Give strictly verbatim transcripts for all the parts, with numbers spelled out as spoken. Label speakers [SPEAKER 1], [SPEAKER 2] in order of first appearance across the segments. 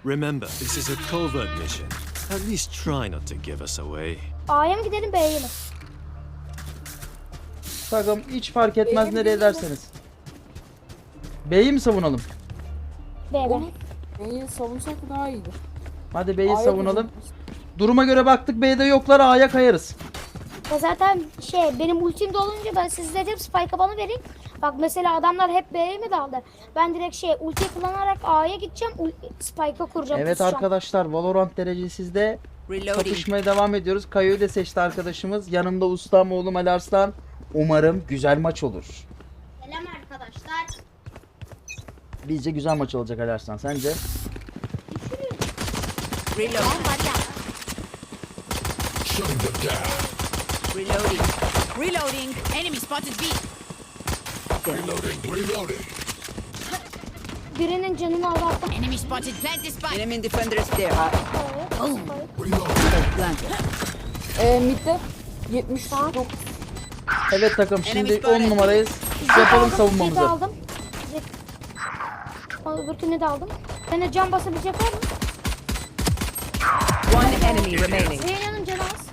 [SPEAKER 1] Remember, this is a covert mission. At least try not to give us away.
[SPEAKER 2] A'ya mı gidelim B'ye mi?
[SPEAKER 3] Takım hiç fark etmez
[SPEAKER 4] B'ye
[SPEAKER 3] nereye
[SPEAKER 4] gidelim.
[SPEAKER 3] derseniz. B'yi mi savunalım?
[SPEAKER 2] B B.
[SPEAKER 4] Onu B'yi savunsak daha iyiydi.
[SPEAKER 3] Hadi B'yi
[SPEAKER 4] A'ya
[SPEAKER 3] savunalım.
[SPEAKER 4] gidelim.
[SPEAKER 3] Duruma göre baktık B'de yoklar, A'ya kayarız.
[SPEAKER 2] Ya zaten şey benim ultim dolunca ben siz dedim Spike'a bana verin. Bak mesela adamlar hep B'ye mi daldı? Ben direkt şey ulti kullanarak A'ya gideceğim. ul- Spike'a kuracağım.
[SPEAKER 3] Evet
[SPEAKER 2] pusacağım.
[SPEAKER 3] arkadaşlar, Valorant derecesizde
[SPEAKER 5] Reloading.
[SPEAKER 3] kapışmaya devam ediyoruz. Kayo'yu da seçti arkadaşımız. Yanımda ustam oğlum Ali Arslan. Umarım güzel maç olur.
[SPEAKER 2] Selam arkadaşlar.
[SPEAKER 3] Bizce güzel maç olacak Ali Arslan. Sence?
[SPEAKER 5] Reload. Reloading. Reloading. Enemy spotted B.
[SPEAKER 2] Birinin canını azalttım.
[SPEAKER 5] Enemy spotted. Plant the spike. Enemy defender is there.
[SPEAKER 2] Evet.
[SPEAKER 5] Planted.
[SPEAKER 4] Ee, midde yetmiş dokuz.
[SPEAKER 3] Evet takım, şimdi
[SPEAKER 5] Enemy
[SPEAKER 3] on
[SPEAKER 5] spotted.
[SPEAKER 3] numarayız.
[SPEAKER 2] Jet
[SPEAKER 3] Yapalım
[SPEAKER 2] aldım,
[SPEAKER 3] savunmamızı.
[SPEAKER 2] Jet aldım. Jet. Al, öbürkünü de aldım. Bana can basabilecek var mı?
[SPEAKER 5] One enemy remaining.
[SPEAKER 2] Zeyna'nın canı az.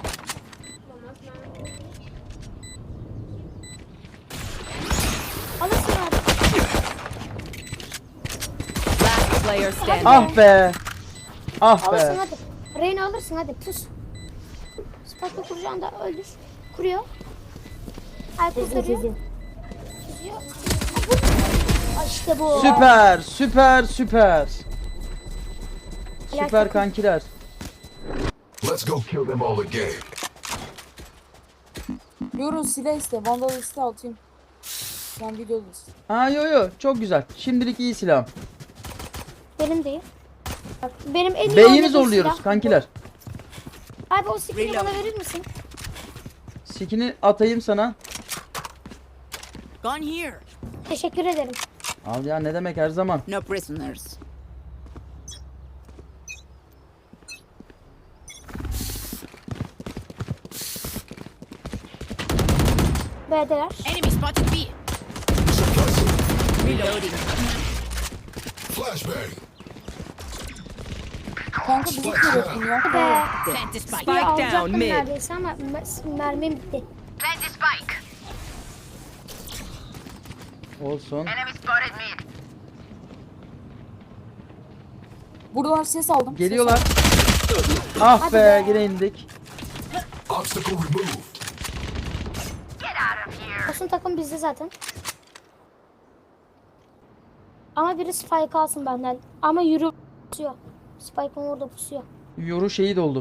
[SPEAKER 2] Alırsın abi.
[SPEAKER 5] Last player standing.
[SPEAKER 3] Ah be. Ah
[SPEAKER 2] Alırsın
[SPEAKER 3] be.
[SPEAKER 2] hadi. Reyna alırsın hadi pus. Spike'ı kuracağını da öldür. Kuruyor. Ay kurtarıyor. Kuruyor. Ay işte bu.
[SPEAKER 3] Süper, süper, süper. Süper
[SPEAKER 2] takım.
[SPEAKER 3] kankiler.
[SPEAKER 6] Let's go kill them all again.
[SPEAKER 4] Yorun silah iste. Vandal iste atayım. Sen videodasın.
[SPEAKER 3] Ha yo yo, çok güzel. Şimdilik iyi silahım.
[SPEAKER 2] Benim değil. Bak, benim en iyi
[SPEAKER 3] B'yi mi
[SPEAKER 2] oynadığım
[SPEAKER 3] zorluyoruz
[SPEAKER 2] silah.
[SPEAKER 3] kankiler?
[SPEAKER 2] Abi o skill'i
[SPEAKER 5] Reload.
[SPEAKER 2] bana verir misin?
[SPEAKER 3] Skin'i atayım sana.
[SPEAKER 5] Gone here.
[SPEAKER 2] Teşekkür ederim.
[SPEAKER 3] Al ya, ne demek, her zaman.
[SPEAKER 5] No prisoners.
[SPEAKER 2] B'deler.
[SPEAKER 5] Enemy spotted B. Reloading.
[SPEAKER 6] Flashbang.
[SPEAKER 4] Kanka bizi kırıyorsun ya.
[SPEAKER 2] Be.
[SPEAKER 5] Plant the spike.
[SPEAKER 2] Spike alacaktım neredeyse ama mer- mermim bitti.
[SPEAKER 5] Plant the spike.
[SPEAKER 3] Olsun.
[SPEAKER 5] Enemy spotted mid.
[SPEAKER 4] Buradan ses aldım. ses
[SPEAKER 3] Geliyorlar.
[SPEAKER 4] aldım.
[SPEAKER 3] Ah
[SPEAKER 2] Hadi
[SPEAKER 3] be,
[SPEAKER 2] be.
[SPEAKER 3] yine indik.
[SPEAKER 6] Obstacle removed.
[SPEAKER 2] Olsun takım bizde zaten. Ama biri Spike alsın benden. Ama yürü pusuyor. Spike'ın orada pusuyor.
[SPEAKER 3] Yoru şehit oldu.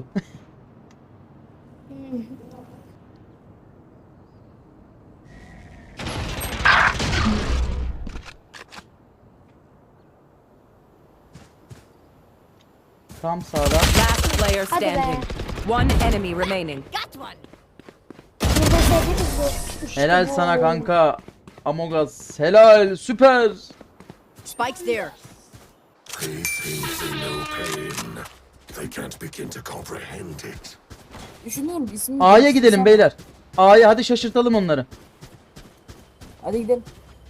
[SPEAKER 3] Tam sağda.
[SPEAKER 5] Last player
[SPEAKER 2] Hadi be.
[SPEAKER 5] standing. One enemy remaining. Got one.
[SPEAKER 2] Burada sevdiğimiz bu. İşte
[SPEAKER 3] Helal
[SPEAKER 2] bu.
[SPEAKER 3] sana kanka. Amogas. Helal. Süper.
[SPEAKER 5] Spike's there.
[SPEAKER 6] These things are no pain. They can't begin to comprehend it.
[SPEAKER 4] Düşünüyorum ismini.
[SPEAKER 3] A'ya gidelim beyler. A'ya hadi, şaşırtalım onları.
[SPEAKER 4] Hadi gidelim.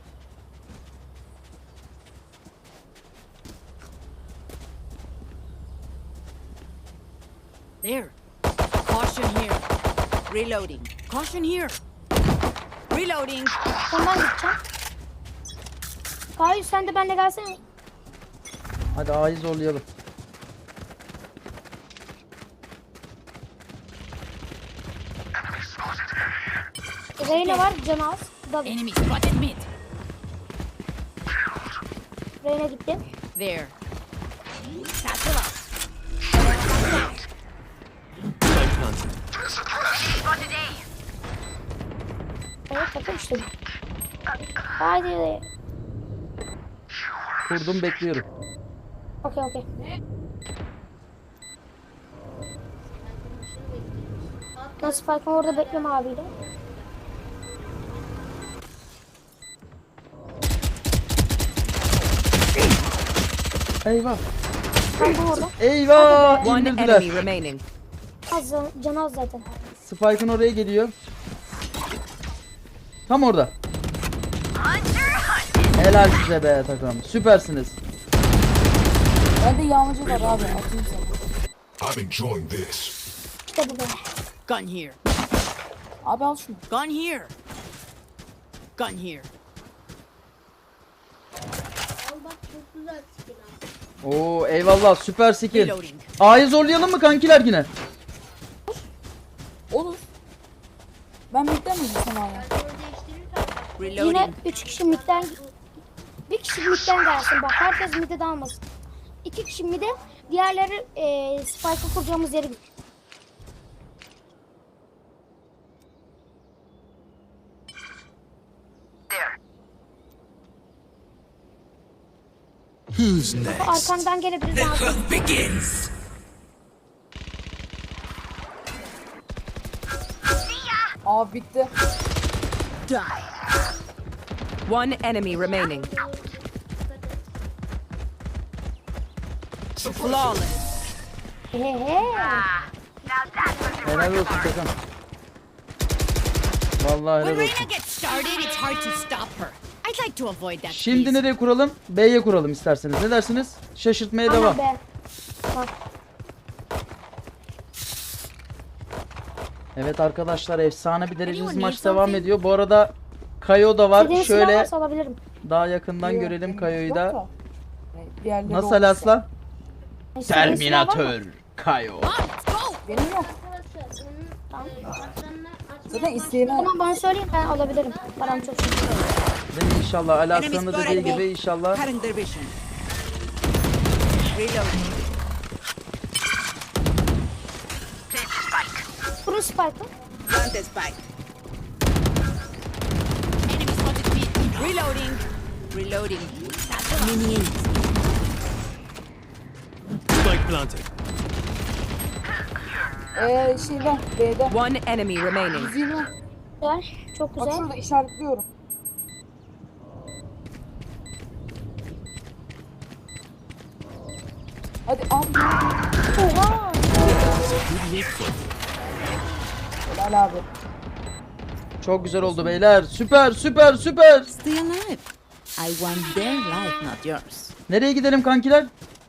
[SPEAKER 5] There. Caution here. Reloading. Caution here. Reloading.
[SPEAKER 2] Sen ben gideceğim. Hayır sen de benimle gelsene.
[SPEAKER 3] Hadi A'yı zorlayalım.
[SPEAKER 2] Reyna var canı az. Da
[SPEAKER 5] Enemy spotted mid.
[SPEAKER 2] Reyna gitti.
[SPEAKER 5] There. Satchel out.
[SPEAKER 1] Spike planted.
[SPEAKER 5] Spotted A.
[SPEAKER 2] Evet takım işte. Haydi.
[SPEAKER 3] Kurdum, bekliyorum.
[SPEAKER 2] Okey okey. Nasıl Spike'ın orada bekleme abiyle.
[SPEAKER 3] Eyvah.
[SPEAKER 2] Tam orada.
[SPEAKER 3] Eyvah.
[SPEAKER 5] One
[SPEAKER 3] İndirdiler.
[SPEAKER 5] enemy remaining.
[SPEAKER 2] Az can, canı az zaten.
[SPEAKER 3] Spike'ın oraya geliyor. Tam orada. Helal size be takım. Süpersiniz.
[SPEAKER 4] Bende yağmacı var abi. Atayım sana.
[SPEAKER 6] I'm enjoying this.
[SPEAKER 2] İşte bu be.
[SPEAKER 5] Gun here.
[SPEAKER 4] Abi al şunu.
[SPEAKER 5] Gun here. Gun here.
[SPEAKER 3] Oo eyvallah süper skill.
[SPEAKER 5] Reloading.
[SPEAKER 3] A'yı zorlayalım mı kankiler yine?
[SPEAKER 4] Olur. Ben midden mi gitsem abi?
[SPEAKER 2] Yine
[SPEAKER 5] Reloading.
[SPEAKER 2] üç kişi midden bir kişi midden gelsin bak herkes midde dalmasın. İki kişi midde diğerleri e, spike'ı kuracağımız yere git.
[SPEAKER 1] Who's next?
[SPEAKER 2] Arkandan gelebilir abi.
[SPEAKER 6] Begins.
[SPEAKER 4] Abi bitti.
[SPEAKER 7] One enemy remaining.
[SPEAKER 5] Flawless.
[SPEAKER 2] He he.
[SPEAKER 3] Helal olsun Tekan. Vallahi
[SPEAKER 5] When
[SPEAKER 3] helal olsun.
[SPEAKER 5] Reyna gets started, it's hard to stop her. I'd like to avoid that.
[SPEAKER 3] Şimdi
[SPEAKER 5] please.
[SPEAKER 3] nereye kuralım? B'ye kuralım isterseniz. Ne dersiniz? Şaşırtmaya devam.
[SPEAKER 2] Aha be. Bak.
[SPEAKER 3] Evet arkadaşlar efsane bir derecesiz
[SPEAKER 5] Anyone
[SPEAKER 3] maç
[SPEAKER 5] need
[SPEAKER 3] devam
[SPEAKER 5] something?
[SPEAKER 3] ediyor. Bu arada Kayo da var.
[SPEAKER 2] İstediğiniz silah
[SPEAKER 3] Şöyle
[SPEAKER 2] varsa alabilirim.
[SPEAKER 3] daha yakından
[SPEAKER 4] Yok,
[SPEAKER 3] görelim
[SPEAKER 4] benim
[SPEAKER 3] Kayo'yu
[SPEAKER 4] yok
[SPEAKER 3] da.
[SPEAKER 4] E, diğerleri
[SPEAKER 3] Nasıl
[SPEAKER 4] olursa.
[SPEAKER 3] Alaslan?
[SPEAKER 2] İstediğiniz silah var mı?
[SPEAKER 3] Kayo.
[SPEAKER 5] Come on, let's go.
[SPEAKER 4] Benim yok.
[SPEAKER 2] Tamam.
[SPEAKER 4] Zaten isteyene
[SPEAKER 2] Tamam bana söyleyin ben alabilirim. Param çok çok.
[SPEAKER 3] Ve inşallah Alaslan'ın da dediği
[SPEAKER 5] spotted.
[SPEAKER 3] gibi inşallah.
[SPEAKER 5] Cutting their vision. Reloading.
[SPEAKER 2] Kurun spike'ı.
[SPEAKER 5] Plant the spike. Enemy spotted me. Reloading. Reloading. Minions.
[SPEAKER 1] Spike planted.
[SPEAKER 4] Eee şeyden B'de.
[SPEAKER 7] One enemy remaining.
[SPEAKER 4] yüz yirmi.
[SPEAKER 2] Güzel. Çok
[SPEAKER 4] Bak
[SPEAKER 2] güzel.
[SPEAKER 4] şurada işaretliyorum. Hadi abi.
[SPEAKER 2] Oha.
[SPEAKER 4] Helal abi.
[SPEAKER 3] Çok güzel oldu beyler. Süper süper süper.
[SPEAKER 5] Stay alive. I want their life, not yours.
[SPEAKER 3] Nereye gidelim kankiler?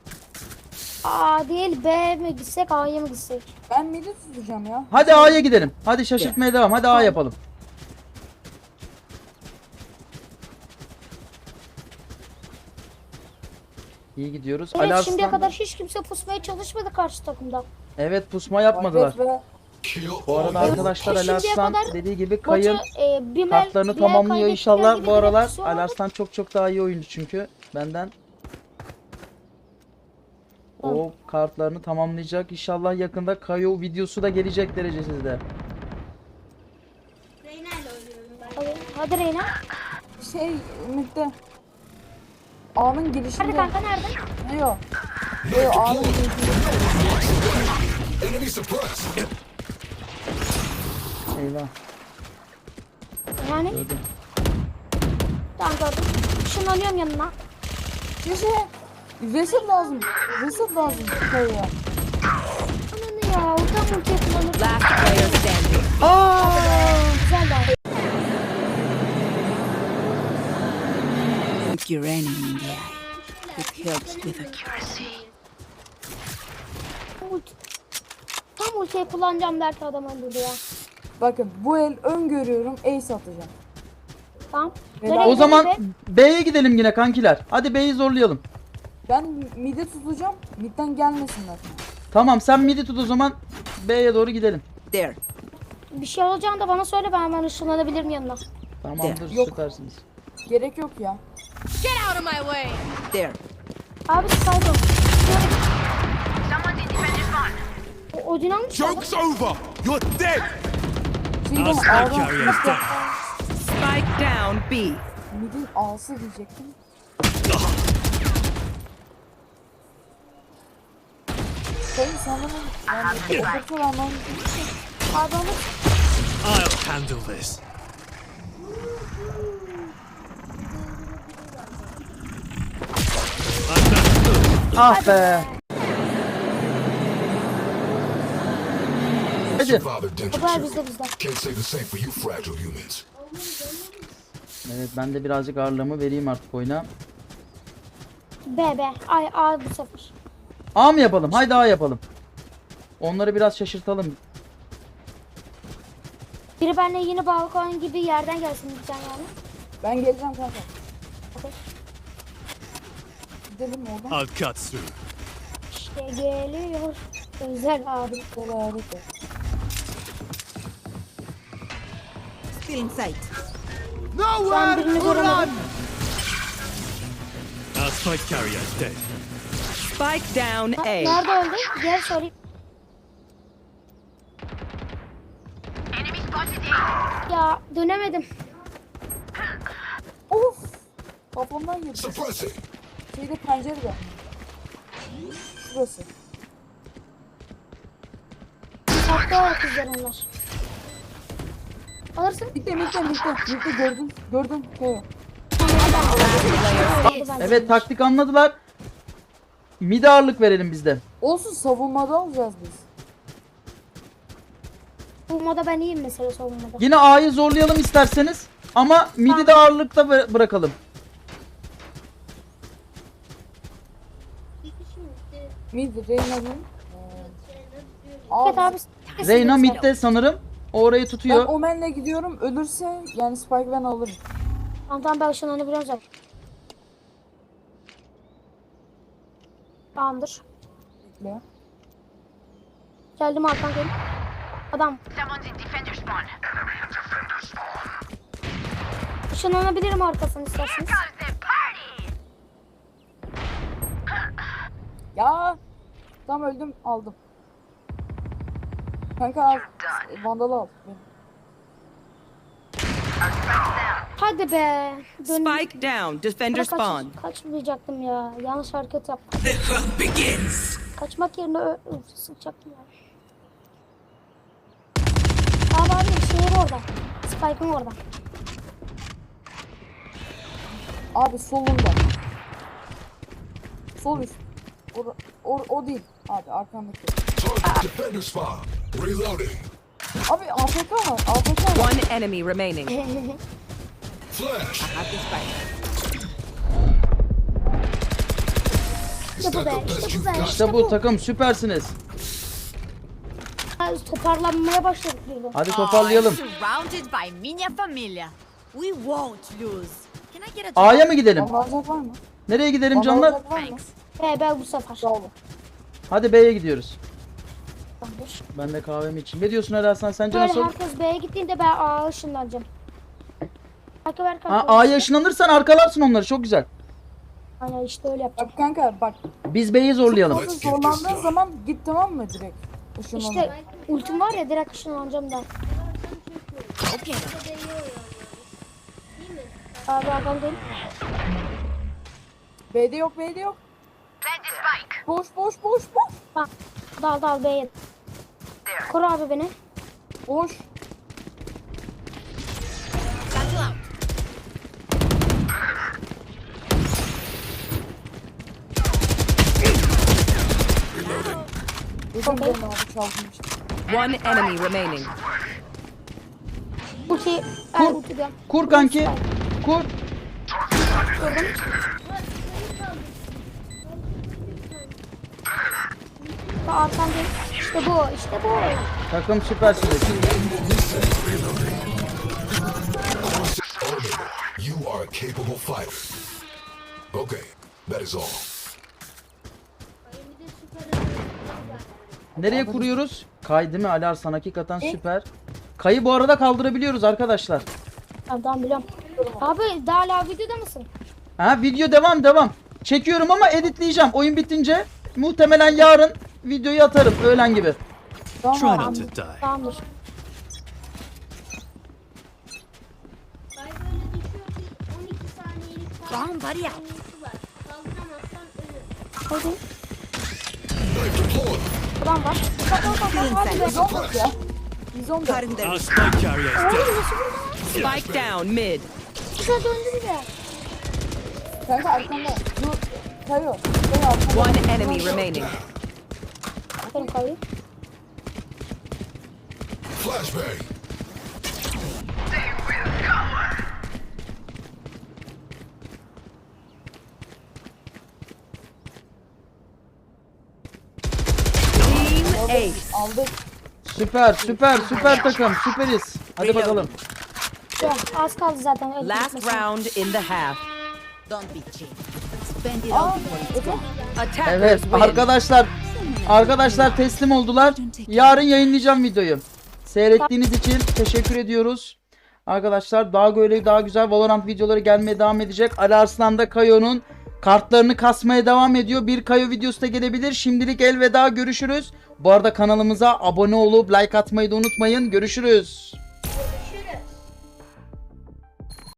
[SPEAKER 2] A değil B mi gitsek A'ya mı gitsek?
[SPEAKER 4] Ben midi tutacağım ya.
[SPEAKER 3] Hadi A'ya gidelim. Hadi şaşırtmaya devam. Hadi A yapalım. İyi gidiyoruz.
[SPEAKER 2] Evet
[SPEAKER 3] Ali
[SPEAKER 2] şimdiye
[SPEAKER 3] Arslan.
[SPEAKER 2] kadar hiç kimse pusmaya çalışmadı karşı takımda.
[SPEAKER 3] Evet pusma yapmadılar.
[SPEAKER 4] Market ve
[SPEAKER 6] Kill
[SPEAKER 3] Bu arada
[SPEAKER 6] all.
[SPEAKER 3] arkadaşlar Ali
[SPEAKER 2] Şimdiye
[SPEAKER 3] Arslan
[SPEAKER 2] kadar
[SPEAKER 3] dediği gibi
[SPEAKER 2] Maçı
[SPEAKER 3] Kayın
[SPEAKER 2] e, bir
[SPEAKER 3] kartlarını
[SPEAKER 2] bir
[SPEAKER 3] tamamlıyor
[SPEAKER 2] kaybettikleri
[SPEAKER 3] inşallah.
[SPEAKER 2] gibi
[SPEAKER 3] Bu
[SPEAKER 2] bir
[SPEAKER 3] aralar
[SPEAKER 2] etkisi
[SPEAKER 3] Ali
[SPEAKER 2] olmadı.
[SPEAKER 3] Arslan çok çok daha iyi oyuncu çünkü benden. O kartlarını tamamlayacak. İnşallah yakında Kayo videosu da gelecek derecesizde.
[SPEAKER 2] Hadi, hadi Reyna.
[SPEAKER 4] şey midde. A'nın
[SPEAKER 2] Nerede
[SPEAKER 4] girişinde.
[SPEAKER 2] kanka nerede?
[SPEAKER 4] Ne yok? Ne yok A'nın girişinde.
[SPEAKER 6] Enemy suppressed.
[SPEAKER 3] Eyvah.
[SPEAKER 2] Yani
[SPEAKER 3] Gördüm.
[SPEAKER 2] tamam gördüm. Işınlanıyorum yanına.
[SPEAKER 4] Şişe. Reset lazım. Reset lazım. Kayıya.
[SPEAKER 2] Ananı ya oradan ultiye kullanır.
[SPEAKER 7] Last player standing.
[SPEAKER 2] Aa, güzel de.
[SPEAKER 5] Look your enemy in the eye. It helps with accuracy.
[SPEAKER 2] Ulti. Tam ultiyi kullanacağım derken adam öldürdü ya.
[SPEAKER 4] Bakın bu el öngörüyorum. Ace atacağım.
[SPEAKER 2] Tamam.
[SPEAKER 4] Ve
[SPEAKER 2] Nereye
[SPEAKER 4] ben-
[SPEAKER 3] O zaman
[SPEAKER 2] gidelim
[SPEAKER 3] B'ye gidelim yine kankiler. Hadi B'yi zorlayalım.
[SPEAKER 4] Ben midi tutacağım. Midden gelmesinler.
[SPEAKER 3] Tamam sen midi tut o zaman. B'ye doğru gidelim.
[SPEAKER 5] There.
[SPEAKER 2] be? Bir şey olacağını da bana söyle ben hemen ışınlanabilirim yanına.
[SPEAKER 3] Tamamdır
[SPEAKER 4] Yok.
[SPEAKER 3] süpersiniz.
[SPEAKER 4] Gerek yok ya.
[SPEAKER 5] Get out of my way. There.
[SPEAKER 2] Abi pardon. O Odin almış ya.
[SPEAKER 1] Joke's over! You're dead!
[SPEAKER 4] Şeyden
[SPEAKER 1] Our spike
[SPEAKER 4] A'dan
[SPEAKER 1] carrier is down.
[SPEAKER 7] Spike down B.
[SPEAKER 4] midin A'sı diyecektim. Sayın sen bana yani okursa anlamı
[SPEAKER 2] Pardon.
[SPEAKER 1] I'll handle this.
[SPEAKER 3] Ah be. Hadi.
[SPEAKER 6] Survivor dental
[SPEAKER 2] Haber
[SPEAKER 6] chip.
[SPEAKER 2] bizde bizde.
[SPEAKER 6] Can't say the same for you fragile humans.
[SPEAKER 3] Evet ben de birazcık ağırlığımı vereyim artık oyuna.
[SPEAKER 2] B B. Ay A bu sefer.
[SPEAKER 3] A mı yapalım? Haydi A yapalım. Onları biraz şaşırtalım.
[SPEAKER 2] Biri benimle yeni balkon gibi yerden gelsin bir tane yani.
[SPEAKER 4] Ben geleceğim kanka.
[SPEAKER 2] Okey.
[SPEAKER 4] Gidelim oradan.
[SPEAKER 1] I'll cut through.
[SPEAKER 2] İşte geliyor. Özel abi.
[SPEAKER 4] Böyle harika.
[SPEAKER 5] Still in sight.
[SPEAKER 2] Ben birini göremedim.
[SPEAKER 1] Our spike carrier is dead.
[SPEAKER 7] Spike down
[SPEAKER 2] Ha,
[SPEAKER 7] A.
[SPEAKER 2] nerede öldü? Gel sorayım. Ya dönemedim.
[SPEAKER 4] Of. Kafamdan girdi.
[SPEAKER 6] Suppressing.
[SPEAKER 4] Şeyde pencerede. Şurası.
[SPEAKER 2] Hatta kızlar onlar. Alırsın.
[SPEAKER 4] Bitti bitti bitti. Bitti gördün. Gördün. Evet.
[SPEAKER 2] Aldı bence.
[SPEAKER 3] Evet, taktik anladılar. Mid'e ağırlık verelim biz de.
[SPEAKER 4] Olsun, savunmada alacağız biz.
[SPEAKER 2] Savunmada ben iyiyim mesela savunmada.
[SPEAKER 3] Yine A'yı zorlayalım isterseniz. Ama mid'i de ağırlıkta bı- bırakalım.
[SPEAKER 4] Mid, Reyna'nın.
[SPEAKER 2] Evet abi.
[SPEAKER 3] Reyna mid'de sanırım. O orayı
[SPEAKER 4] Ben
[SPEAKER 3] tutuyor.
[SPEAKER 4] Omen'le gidiyorum. Ölürse yani Spike ben alırım.
[SPEAKER 2] Tamam tamam ben ışınlanı biliyorum zaten. Tamamdır.
[SPEAKER 4] Bekle.
[SPEAKER 2] Geldim Hakan gelin. Adam. Işınlanabilirim arkasını isterseniz.
[SPEAKER 4] Ya. Tam öldüm, aldım. Kanka al. Vandalı al. Benim.
[SPEAKER 2] Hadi be. Dön.
[SPEAKER 7] Spike down. Defender
[SPEAKER 2] Kaç-
[SPEAKER 7] spawn.
[SPEAKER 2] Kaçmayacaktım ya. Yanlış hareket yaptım.
[SPEAKER 6] The hunt begins.
[SPEAKER 2] Kaçmak yerine ö- ö- sıkacaktım ya. Abi abi şeyim orada. Spike'ım orada.
[SPEAKER 4] Abi solunda. Sol üst. O, o, o değil. Abi arkandaki.
[SPEAKER 6] Target defender spawn. Reloading.
[SPEAKER 4] Abi A F K var. A F K var.
[SPEAKER 7] One enemy remaining.
[SPEAKER 6] Flash.
[SPEAKER 5] Have the spike.
[SPEAKER 6] Is
[SPEAKER 2] İşte bu
[SPEAKER 6] that
[SPEAKER 2] be.
[SPEAKER 6] the best
[SPEAKER 2] İşte bu
[SPEAKER 6] you've
[SPEAKER 2] be.
[SPEAKER 6] got?
[SPEAKER 3] İşte bu takım, süpersiniz.
[SPEAKER 2] Toparlanmaya başladık birden.
[SPEAKER 3] Hadi toparlayalım.
[SPEAKER 5] Surrounded by minha familia. We won't lose. Can I get a
[SPEAKER 3] A'ya mı gidelim?
[SPEAKER 4] Vandal alacak var mı?
[SPEAKER 3] Nereye gidelim
[SPEAKER 4] Vandal
[SPEAKER 3] canlar?
[SPEAKER 4] alacak var mı?
[SPEAKER 2] He ben bu sefer.
[SPEAKER 4] Sağ olun.
[SPEAKER 3] Hadi B'ye gidiyoruz.
[SPEAKER 2] Tamamdır.
[SPEAKER 3] Ben de kahvemi içeyim. Ne diyorsun Eraslan, sence
[SPEAKER 2] Böyle
[SPEAKER 3] nasıl?
[SPEAKER 2] herkes B'ye gittiğinde ben A'ya ışınlanacağım. Kanka ver
[SPEAKER 3] Ha,
[SPEAKER 2] kanka.
[SPEAKER 3] A'ya ışınlanırsan arkalarsın onları, çok güzel.
[SPEAKER 2] Aynen işte öyle yapacağım.
[SPEAKER 4] Bak kanka bak.
[SPEAKER 3] Biz B'yi zorlayalım.
[SPEAKER 4] Orada zorlandığın zaman git, tamam mı direkt? Işınlanma.
[SPEAKER 2] İşte ultim var ya direkt ışınlanacağım da.
[SPEAKER 5] Okay.
[SPEAKER 2] Abi adam değil.
[SPEAKER 4] B'de yok, B'de yok. Boş boş boş boş.
[SPEAKER 2] Ha, dal dal B'ye. Koru abi beni.
[SPEAKER 4] Boş.
[SPEAKER 5] Battle out.
[SPEAKER 4] Dedim
[SPEAKER 2] Okey.
[SPEAKER 4] ben abi çaldım işte.
[SPEAKER 7] One enemy remaining.
[SPEAKER 2] Ulti.
[SPEAKER 3] Kur.
[SPEAKER 2] Er, ulti diyorum.
[SPEAKER 3] Kur kanki. Kur.
[SPEAKER 2] Ha, arkan değil. İşte bu. İşte bu.
[SPEAKER 3] Takım süpersiniz.
[SPEAKER 6] You are a capable fighter. Okay, that is all.
[SPEAKER 3] Nereye kuruyoruz? Kay değil mi Alarsan? Hakikaten süper. Kayı bu arada kaldırabiliyoruz arkadaşlar.
[SPEAKER 2] Tamam tamam biliyorum. Abi daha hala videoda mısın?
[SPEAKER 3] Ha, video devam devam. Çekiyorum ama editleyeceğim. Oyun bitince muhtemelen yarın videoyu atarım öğlen gibi.
[SPEAKER 1] Try
[SPEAKER 4] Tamam.
[SPEAKER 1] not to die.
[SPEAKER 2] Tamamdır.
[SPEAKER 5] Bomb buddy out.
[SPEAKER 2] Hadi.
[SPEAKER 6] Knife deployed.
[SPEAKER 2] Adam var. Bak bak bak bak. Hadi be.
[SPEAKER 4] Biz on dört ya. Biz on dört.
[SPEAKER 5] Cutting their
[SPEAKER 1] Our spike carrier is
[SPEAKER 2] Oğlum
[SPEAKER 1] dead.
[SPEAKER 2] nasıl burada?
[SPEAKER 7] Spike down mid.
[SPEAKER 2] Güzel döndü bir de.
[SPEAKER 4] Kanka arkanda. Dur. Kayıyor. Kayıyor arkanda.
[SPEAKER 7] One enemy remaining.
[SPEAKER 2] Benim kayıyor.
[SPEAKER 6] Flashbang.
[SPEAKER 7] Ace.
[SPEAKER 4] Aldık.
[SPEAKER 3] Süper süper süper takım süperiz. Hadi bakalım.
[SPEAKER 2] Ya, az kaldı zaten. öyle
[SPEAKER 7] Last
[SPEAKER 2] gitmesin.
[SPEAKER 7] round in the half.
[SPEAKER 5] Don't be cheap. Spend it
[SPEAKER 4] Aa,
[SPEAKER 5] all before it's
[SPEAKER 4] Efe.
[SPEAKER 5] gone.
[SPEAKER 7] Attackers
[SPEAKER 3] Evet
[SPEAKER 7] win.
[SPEAKER 3] arkadaşlar arkadaşlar teslim oldular. Yarın yayınlayacağım videoyu. Seyrettiğiniz için teşekkür ediyoruz. Arkadaşlar daha böyle daha güzel Valorant videoları gelmeye devam edecek. Ali Arslan da Kayo'nun kartlarını kasmaya devam ediyor. Bir Kayo videosu da gelebilir. Şimdilik elveda, görüşürüz. Bu arada kanalımıza abone olup like atmayı da unutmayın. Görüşürüz.